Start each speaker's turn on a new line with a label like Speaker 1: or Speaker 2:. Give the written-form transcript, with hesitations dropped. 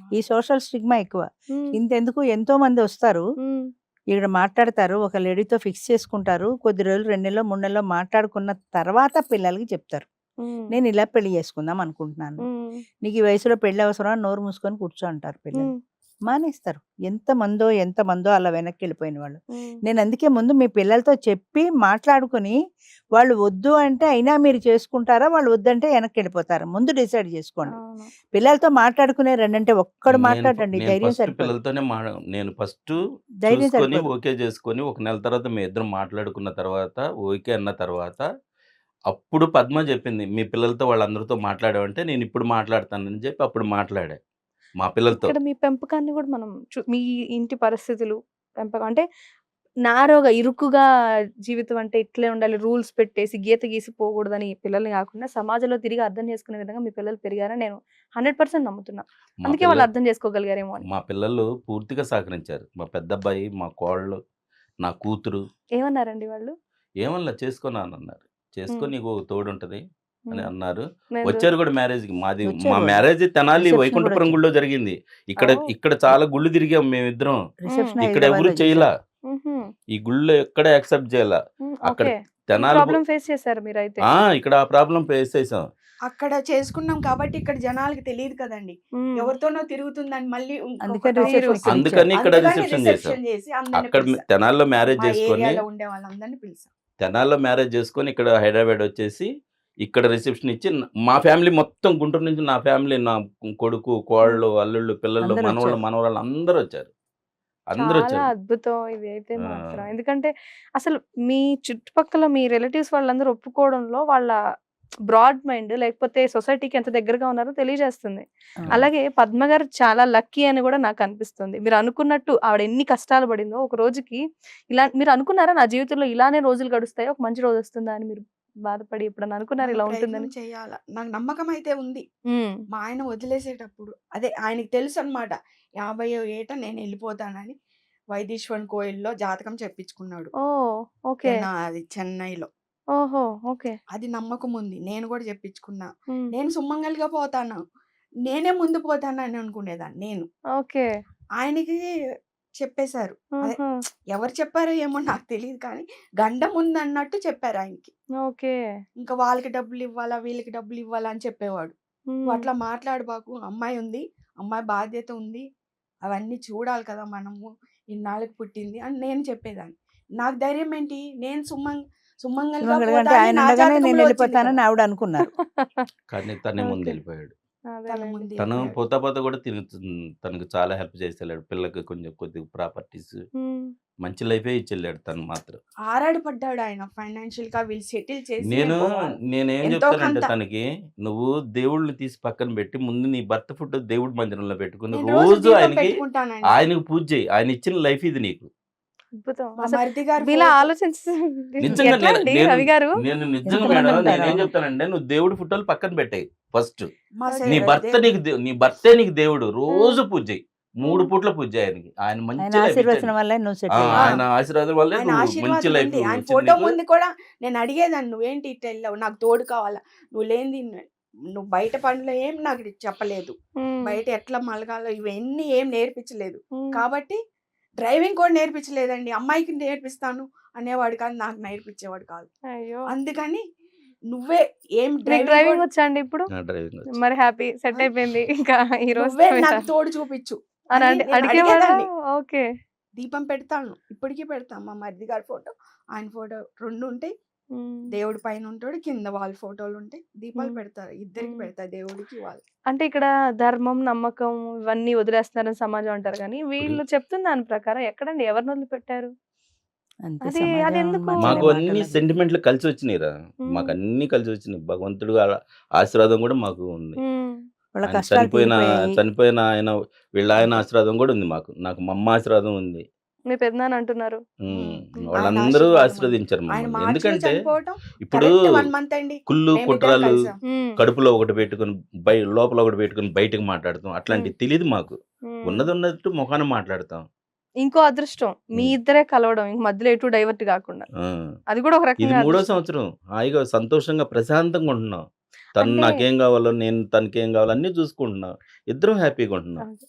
Speaker 1: ఈ social stigma ఎక్కువ.
Speaker 2: హ్మ్.
Speaker 1: ఇంతెందుకు ఎంతో మంది వస్తారు.
Speaker 2: హ్మ్.
Speaker 1: ఇక్కడ మాట్లాడతారు. ఒక లేడీతో ఫిక్స్ చేసుకుంటారు. కొద్ది రోజులు 2 నెల్లో, 3 నెల్లో మాట్లాడుకున్న తర్వాత పిల్లలకి చెప్తారు.
Speaker 2: హ్మ్.
Speaker 1: నేను ఇలా పెళ్లి చేసుకుందాం అనుకుంటున్నాను.
Speaker 2: హ్మ్.
Speaker 1: నీకు ఈ వయసులో పెళ్లి అవసరమా? నోరు మూసుకొని కూర్చో అంటారు పిల్లలు.
Speaker 2: హ్మ్.
Speaker 1: మానేస్తారు. ఎంతమందో అలా వెనక్కెళ్ళిపోయిన వాళ్ళు.
Speaker 2: హ్మ్.
Speaker 1: నేను అందుకే ముందు మీ పిల్లలతో చెప్పి మాట్లాడుకొని, వాళ్ళు వద్దు అంటే అయినా మీరు చేసుకుంటారా? వాళ్ళు వద్దంటే వెనక్కెళ్ళిపోతారా? ముందు డిసైడ్ చేసుకోండి.
Speaker 2: అవును.
Speaker 1: పిల్లలతో మాట్లాడుకునే రండంటే ఒక్కడు మాట్లాడడండి.
Speaker 3: నేను
Speaker 1: ధైర్యం
Speaker 3: ఫస్ట్
Speaker 1: సరిపోదు.
Speaker 3: పిల్లలతోనే నేను ఫస్ట్
Speaker 1: ధైర్యం
Speaker 3: చూసుకొని
Speaker 1: సరిపోదు.
Speaker 3: ఓకే చేసుకొని ఒక నెల తర్వాత మీ ఇద్దరం మాట్లాడుకున్న తర్వాత ఓకే అన్న తర్వాత అప్పుడు పద్మ చెప్పింది మీ పిల్లలతో వాళ్ళందరితో మాట్లాడావంటే నేను ఇప్పుడు మాట్లాడతానని చెప్పి అప్పుడు మాట్లాడా మా పిల్లలతో.
Speaker 2: ఇక్కడ మీ పెంపకాన్ని గూడా మనం మీ ఇంటి పరిస్థితులు, పెంపకం అంటే నారోగా, ఇరుకుగా జీవితం అంటే ఇట్లే ఉండాలి, రూల్స్ పెట్టేసి, గీత గీసి పోకూడదని పిల్లల్ని గాకుండా, సమాజంలో తిరిగి అర్థం చేసుకునే విధంగా మీ పిల్లలు పెరిగారని నేను 100% నమ్ముతున్నా.
Speaker 3: మా
Speaker 2: అందుకే
Speaker 3: పిల్ల
Speaker 2: వాళ్ళు అర్థం చేసుకోగలిగారేమో అని.
Speaker 3: మా పిల్లలు పూర్తిగా సహకరించారు. మా పెద్దబ్బాయి, మా కోడలు, నా కూతురు
Speaker 2: ఏమన్నారండి వాళ్ళు?
Speaker 3: ఏమనలే చేసుకోనన్నారు. చేసుకో
Speaker 2: హ్మ్.
Speaker 3: నీకు తోడుంటది అని
Speaker 2: హ్మ్.
Speaker 3: అన్నారు.
Speaker 2: నేను
Speaker 3: వచ్చారు కూడా మ్యారేజ్‌కి. మా
Speaker 1: వచ్చారు వాళ్ళు.
Speaker 3: మ్యారేజ్ తెనాలి
Speaker 1: రిసెప్షన్ కూడా
Speaker 3: వైకుంఠపురం
Speaker 1: వచ్చారు.
Speaker 3: గుడిలో జరిగింది. ఇక్కడ
Speaker 2: ఓహ్!
Speaker 3: ఇక్కడ చాలా గుళ్ళు తిరిగాం మేమిద్దరం.
Speaker 2: హ్మ్.
Speaker 1: రిసెప్షన్
Speaker 3: ఇక్కడ ఎవరు
Speaker 1: హైదరాబాద్‌లో
Speaker 3: చేయలా.
Speaker 1: చేశారు.
Speaker 2: హుహు.
Speaker 3: ఈ గుళ్ళో ఎక్కడ యాక్సెప్ట్ చేయల.
Speaker 2: హ్మ్.
Speaker 3: అక్కడ
Speaker 2: ఓకే. ఈ
Speaker 3: తెనాలి
Speaker 2: ప్రాబ్లమ్ ఫేస్ చేసారు మీరైతే.
Speaker 3: ఇక్కడ ఆ ప్రాబ్లమ్ ఫేస్ చేసాం.
Speaker 4: అక్కడ చేసుకున్నాం కాబట్టి ఇక్కడ జనాలకి తెలీదు కదండీ.
Speaker 2: హ్మ్.
Speaker 4: ఎవరితోనో తిరుగుతుందని మళ్ళీ
Speaker 1: అందుకని
Speaker 4: ఇంకొకటి
Speaker 2: మీరు
Speaker 1: రిసెప్షన్ ఇక్కడ ఇచ్చారు.
Speaker 3: అందుకని ఇక్కడ
Speaker 4: అందుకని
Speaker 3: రిసెప్షన్ చేసాం.
Speaker 4: రిసెప్షన్ చేసి అందరిని
Speaker 3: అక్కడ
Speaker 4: పిలిసా.
Speaker 3: తెనాలిలో మ్యారేజ్
Speaker 4: మా
Speaker 3: చేసుకొని
Speaker 4: ఏరియాలో ఉండే వాళ్ళందరిని పిలిసా.
Speaker 3: తెనాలిలో మ్యారేజ్ చేసుకొని ఇక్కడ హైదరాబాద్ వచ్చేసి ఇక్కడ రిసెప్షన్ ఇచ్చి మా ఫ్యామిలీ మొత్తం గుంటూరు నుంచి నా ఫ్యామిలీ నా కొడుకు,
Speaker 2: హ్మ్.
Speaker 3: కోడళ్ళు, అల్లుళ్ళు, పిల్లలు,
Speaker 1: అందరూ
Speaker 3: మనవళ్ళు,
Speaker 1: వచ్చారు.
Speaker 3: మనవరాళ్ళు అందరూ వచ్చారు. అందరూ
Speaker 2: చాలా
Speaker 3: వచ్చారు.
Speaker 2: అద్భుతం ఇదైతే
Speaker 3: ఆ!
Speaker 2: మాత్రం. ఎందుకంటే అసలు మీ చుట్టుపక్కల మీ రిలేటివ్స్ వాళ్ళందరూ ఒప్పుకోవడంలో వాళ్ళ బ్రాడ్ మైండ్, లేకపోతే సొసైటీకి ఎంత దగ్గరగా ఉన్నారో తెలియజేస్తుంది.
Speaker 1: అవును.
Speaker 3: అవును.
Speaker 2: అలాగే పద్మ గారు చాలా లక్కీ అని కూడా నాకు అనిపిస్తుంది. మీరు అనుకున్నట్టు ఆవిడ ఎన్ని కష్టాలు పడిందో ఒక రోజుకి ఇలా మీరు అనుకున్నారా నా జీవితంలో ఇలానే రోజులు గడుస్తాయి, ఒక మంచి రోజు వస్తుందా అని మీరు బాధపడి ఎప్పుడన్నా అనుకున్నారా
Speaker 4: మనం
Speaker 2: ఇలా
Speaker 4: ప్రయత్నం
Speaker 2: ఉంటుందని?
Speaker 4: చేయాల. నాకు నమ్మకం అయితే ఉంది.
Speaker 2: హ్మ్.
Speaker 4: మా ఆయన వదిలేసేటప్పుడు అదే ఆయనకి తెలుసనమాట. 50వ ఏట నేనెళ్ళిపోతానని వైదీశ్వరన్ కోయిల్‌లో జాతకం చెప్పించుకున్నాడు.
Speaker 2: ఓహ్! ఓకే.
Speaker 4: అది చెన్నైలో.
Speaker 2: ఓహో! ఓకే.
Speaker 4: అది నమ్మకం ఉంది. నేను కూడా చెప్పించుకున్నా.
Speaker 2: హ్మ్.
Speaker 4: నేను సుమంగలిగా పోతాను. నేనే ముందు పోతానని అనుకునేదాన్ని నేను.
Speaker 2: ఓకే.
Speaker 4: ఆయనకి చెప్పేశారు. అదే
Speaker 2: ఆహా!
Speaker 4: ఎవరు చెప్పారో ఏమో నాకు తెలీదు కానీ గండం ఉందన్నట్టు చెప్పారు ఆయనకి.
Speaker 2: ఓకే.
Speaker 4: ఇంకా వాళ్ళకి డబ్బులివ్వాలా, వీళ్ళకి డబ్బులివ్వాలా అని చెప్పేవాడు. "నువ్వు
Speaker 2: హ్మ్.
Speaker 4: అట్లా మాట్లాడబాకు. అమ్మాయి ఉంది. అమ్మాయి బాధ్యత ఉంది. అవన్నీ చూడాలి కదా మనము. ఇన్నాళ్ళకి పుట్టింది" అని నేను చెప్పేదాన్ని. నాకు ధైర్యం ఏంటి? నేను సుమంగల్‌గా
Speaker 1: సుమంగళిగా
Speaker 4: పోతా
Speaker 1: అంటే
Speaker 4: అని
Speaker 1: ఆయన
Speaker 4: నా
Speaker 1: ఉండగానే నేను
Speaker 4: జాతకంలో వచ్చింది కదా!
Speaker 1: వెళ్ళిపోతానని ఆవిడ అనుకున్నారు.
Speaker 3: కానీ తనే
Speaker 2: ఓకే.
Speaker 3: ముందెళ్ళిపోయాడు.
Speaker 4: తన
Speaker 2: అదేలెండి.
Speaker 3: తను
Speaker 4: ముందెళ్ళిపోయాడు.
Speaker 3: పోతా కూడా తనకు చాలా హెల్ప్ చేసెళ్ళాడు. పిల్లకి కొద్దిగా ప్రాపర్టీస్
Speaker 2: హ్మ్.
Speaker 3: మంచి లైఫే ఇచ్చెళ్ళాడు తను మాత్రం.
Speaker 4: ఆరాటపడ్డాడాయన ఫైనాన్షియల్‌గా వీళ్ళు సెటిల్ చేసినే
Speaker 3: నేను
Speaker 4: పోవాలి.
Speaker 3: నేనేం
Speaker 4: ఎంతో
Speaker 3: చెప్తానంటే
Speaker 4: కొంత.
Speaker 3: తనకి, "నువ్వు దేవుళ్ళని తీసి పక్కన పెట్టి, ముందు నీ భర్త ఫోటో దేవుడి మందిరంలో పెట్టుకొని,
Speaker 4: నేను రోజు
Speaker 3: రోజు
Speaker 4: దీపం పెట్టుకుంటానండి.
Speaker 3: ఆయనకి పూజ చెయ్యి. ఆయన ఇచ్చిన లైఫ్ ఇది నీకు."
Speaker 2: అద్భుతం.
Speaker 4: మా
Speaker 2: అసలు
Speaker 4: మరిది గారి
Speaker 2: మీలా
Speaker 4: ఫోటో
Speaker 3: నిజంగా
Speaker 2: ఎట్లా
Speaker 3: నేను
Speaker 2: అండి
Speaker 3: నేను
Speaker 2: రవి గారు?
Speaker 3: నేను నిజంగా
Speaker 1: ఎంతమంది
Speaker 3: మేడం
Speaker 1: ఉంటారు?
Speaker 3: నేనేం
Speaker 1: అవును.
Speaker 3: చెప్తానంటే, "నువ్వు దేవుడి ఫోటోలు పక్కన పెట్టేయి ఫస్ట్.
Speaker 4: మా
Speaker 2: ఓకే.
Speaker 4: సె
Speaker 3: నీ భర్తే నీకు దేవుడు.
Speaker 2: హ్మ్.
Speaker 3: రోజు పూజ చెయ్యి. 3
Speaker 2: హ్మ్.
Speaker 3: పూట్ల పూజ చెయ్యి ఆయనకి. ఆయన
Speaker 1: ఆయన
Speaker 3: మంచి లైఫ్ ఇచ్చాడు
Speaker 1: ఆశీర్వచనం
Speaker 3: నీకు.
Speaker 1: వల్లే నువ్వు సెటిల్
Speaker 4: ఆ!
Speaker 1: అయ్యావు.
Speaker 3: ఆయన ఆశీర్వాదం వల్లే
Speaker 4: ఆయన
Speaker 3: నువ్వు మంచి
Speaker 4: ఆశీర్వాదం
Speaker 3: లైఫ్
Speaker 4: ఉంది. ఆయన
Speaker 3: వచ్చింది
Speaker 4: ఫోటో
Speaker 3: నీకు."
Speaker 4: ముందు కూడా నేను అడిగేదాన్ని, "నువ్వేంటి ఇట్లా ఎళ్ళావు? నాకు తోడు కావాలా? నువ్వు లేనిది నువ్వు బయట పనులు ఏం నాకు చెప్పలేదు.
Speaker 2: హ్మ్.
Speaker 4: బయట ఎట్లా మలగాలో ఇవన్నీ ఏం నేర్పించలేదు.
Speaker 2: హ్మ్.
Speaker 4: కాబట్టి డ్రైవింగ్ కూడా నేర్పించలేదండి. అమ్మాయికి నేర్పిస్తాను అనేవాడు కాదు. నాకు నేర్పించేవాడు కాదు.
Speaker 2: అయ్యో!
Speaker 4: అందుకని నువ్వే ఏం
Speaker 2: మీకు
Speaker 4: డ్రైవింగ్
Speaker 2: డ్రైవింగ్
Speaker 4: కూడా
Speaker 2: వచ్చా అండి ఇప్పుడు?
Speaker 3: ఆ! డ్రైవింగ్ వచ్చు.
Speaker 2: మరి హ్యాపీ సెట్
Speaker 4: ఆ!
Speaker 2: అయిపోయింది. ఇంకా ఈ
Speaker 4: నువ్వే
Speaker 2: రోజుతో
Speaker 4: నాకు
Speaker 2: మీరు
Speaker 4: తోడు చూపిచ్చు
Speaker 2: అని
Speaker 4: అని నేను
Speaker 2: అడిగేవాడా?
Speaker 4: అడిగేదాన్ని.
Speaker 2: ఓకే.
Speaker 4: దీపం పెడతాను. ఇప్పటికి పెడతా. మా మరిది గారి ఫోటో, ఆయన ఫోటో 2 ఉంటాయి.
Speaker 2: హ్మ్.
Speaker 4: దేవుడు పైన ఉంటాడు. కింద వాళ్ళ ఫోటోలుంటాయి. దీపాలు
Speaker 2: హ్మ్.
Speaker 4: పెడతా. ఇద్దరికి
Speaker 2: హ్మ్.
Speaker 4: పెడతా. దేవుడికి, వాళ్ళకి.
Speaker 2: అంటే ఇక్కడ ధర్మం, నమ్మకం ఇవన్నీ వదిలేస్తున్నారని సమాజం అంటారు గానీ,
Speaker 3: ఇప్పుడు
Speaker 2: వీళ్ళు చెప్తున్న దాని ప్రకారం ఎక్కడండి ఎవరిని వదిలిపెట్టారు?
Speaker 1: అంతే సమాజం
Speaker 2: అదెందుకు?
Speaker 1: మాట్లాడే
Speaker 3: మాకు అన్ని
Speaker 1: మాటలది.
Speaker 3: సెంటిమెంట్లు కలిసొచ్చినియిరా.
Speaker 2: హ్మ్.
Speaker 3: మాకన్నీ కలిసొచ్చినియి. భగవంతుడు ఆశీర్వాదం గూడా మాకు ఉంది.
Speaker 2: హ్మ్.
Speaker 1: వాళ్ళ
Speaker 3: ఆయన
Speaker 1: కష్టాలు తీరిపోయాయి.
Speaker 3: చనిపోయిన వీళ్ళాయన ఆశీర్వాదం గూడా ఉంది మాకు. నాకు మా అమ్మ ఆశీర్వాదం ఉంది.
Speaker 2: మీ పెదనాన్న అంటున్నారు.
Speaker 3: హ్మ్.
Speaker 4: ఆయన
Speaker 3: వాళ్ళందరూ
Speaker 4: ఆశీర్వాదం ఉంది.
Speaker 3: ఆశీర్వదించారు
Speaker 4: ఆయన
Speaker 3: మమ్మల్ని.
Speaker 4: మార్చిలో
Speaker 3: ఎందుకంటే
Speaker 4: చనిపోవటం
Speaker 3: ఇప్పుడు
Speaker 4: కరెక్ట్ 1 మంత్ అండి.
Speaker 3: కుళ్ళు,
Speaker 4: మేమిద్దరం
Speaker 3: కుట్రలు
Speaker 4: కలిసాం.
Speaker 2: హ్మ్.
Speaker 3: కడుపులో ఒకటి పెట్టుకొని లోపల ఒకటి పెట్టుకొని బయటకి మాట్లాడతాం.
Speaker 2: హ్మ్.
Speaker 3: అట్లాంటివి తెలీదు మాకు.
Speaker 2: హ్మ్.
Speaker 3: ఉన్నదున్నట్టు మొఖాన మాట్లాడతాం.
Speaker 2: ఇంకో అదృష్టం మీ
Speaker 3: హ్మ్.
Speaker 2: ఇద్దరే కలవడం. ఇంక మధ్యలో ఎటు డైవర్ట్ గాకుండా.
Speaker 3: ఆ!
Speaker 2: అది కూడా ఒక
Speaker 3: ఇది
Speaker 2: రకంగా
Speaker 3: మూడో
Speaker 2: అదృష్టం.
Speaker 3: సంవత్సరం. హాయిగా సంతోషంగా ప్రశాంతంగా ఉంటున్నాం. తను
Speaker 2: అంటే
Speaker 3: నాకేం గావాలో, నేను తనకేం గావాలో అన్నీ చూసుకుంటున్నాం. ఇద్దరం హ్యాపీగా ఉంటున్నాం.
Speaker 2: ఆ!